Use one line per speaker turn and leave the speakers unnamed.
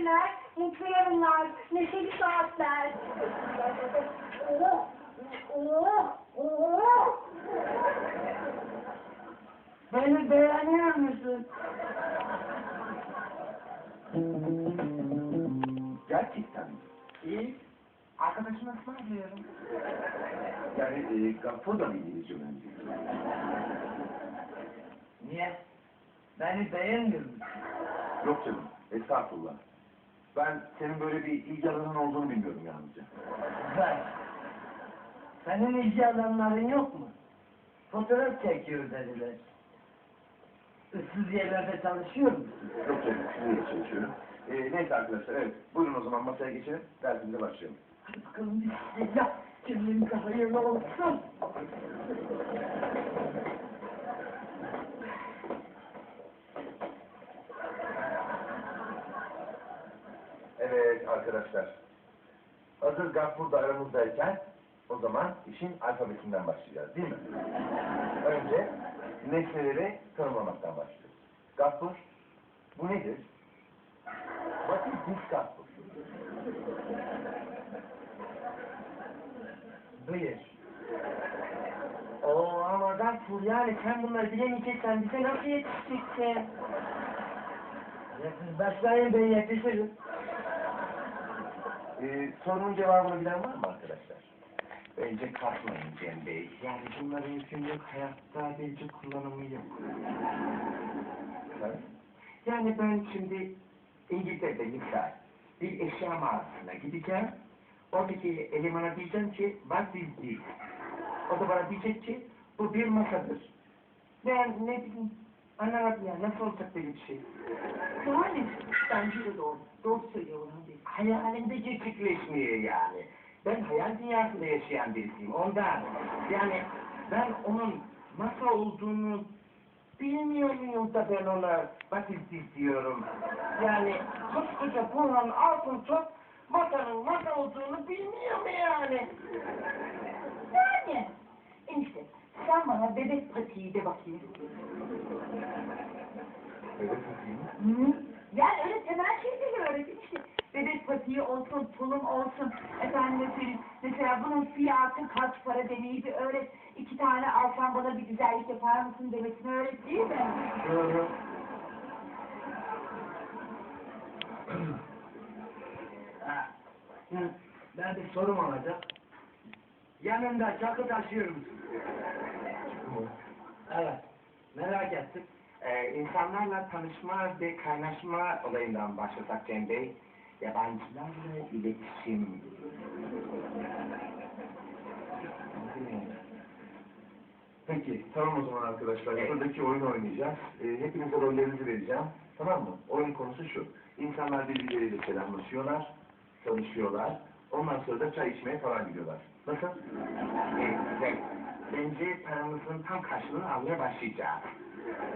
günler, mutlu yarınlar, neşeli saatler.
Beni beğeniyor musun?
Gerçekten mi?
İyi. Arkadaşıma ısmarlıyorum.
Yani Gaffur da mı İngilizce öğrenci?
Niye? Beni beğenmiyor musun?
Yok canım, estağfurullah. Ben senin böyle bir ilgi alanın olduğunu bilmiyorum yalnızca.
Güzel. Senin ilgi alanların yok mu? Fotoğraf çekiyor dediler. Issız yerlerde çalışıyor musun?
Yok canım, sizinle çalışıyorum. Neyse arkadaşlar, evet. Buyurun o zaman masaya geçelim, dersimize başlayalım.
Hadi bakalım bismillah. Cümlemize hayırlı olsun.
Evet arkadaşlar. Hazır Gaffur da aramızdayken o zaman işin alfabetinden başlayacağız değil mi? Önce nesneleri tanımlamaktan başlıyoruz. Gaffur, bu nedir? What is this Gaffur?
Buyur. Oo ama Gaffur yani sen bunları bilemeyeceksen bize nasıl yetişeceksin? Ya siz başlayın ben yetişirim.
Sorunun cevabını bilen var mı arkadaşlar?
Bence kasmayın Cem Bey. Yani bunların günlük hayatta bence kullanımı yok.
Evet.
Yani ben şimdi İngiltere'de misal bir eşya mağazasına gideceğim. Oradaki elemana diyeceğim ki what is this? O da bana diyecek ki bu bir masadır. Ben ne bileyim anlamadım ya nasıl olacak böyle bir şey?
Yani bence de doğru. Doğru söylüyor Orhan Bey.
Hayalimde gerçekleşmiyor yani. Ben hayal dünyasında yaşayan birisiyim ondan. Yani ben onun masa olduğunu bilmiyor muyum da ben ona basit diyorum. Yani koskoca Burhan altın top masanın masa olduğunu bilmiyor mu yani?
Yani enişte sen bana bebek patiği de bakayım.
Öyle değil mi?
Hı? Yani öyle temel şeyleri öğretin işte. Bebek patiği olsun, tulum olsun. Efendim söyleyeyim. Mesela bunun fiyatı kaç para demeyi bir öğret. 2 tane alsan bana bir güzellik yapar mısın demesini öğret değil mi?
Doğru.
Ha, ben bir sorum olacak. Yanında çakı taşıyor musun? Evet, merak ettim. İnsanlarla tanışma ve kaynaşma olayından başlasak Cem Bey. Yabancılarla iletişim.
Peki, tamam o zaman arkadaşlar.
Evet.
Buradaki oyunu oynayacağız. Hepinize rollerinizi vereceğim. Tamam mı? Oyun konusu şu. İnsanlar birbirleriyle selamlaşıyorlar, tanışıyorlar. Ondan sonra da çay içmeye falan gidiyorlar. Nasıl?
Bence paramızın tam karşılığını almaya başlayacağız.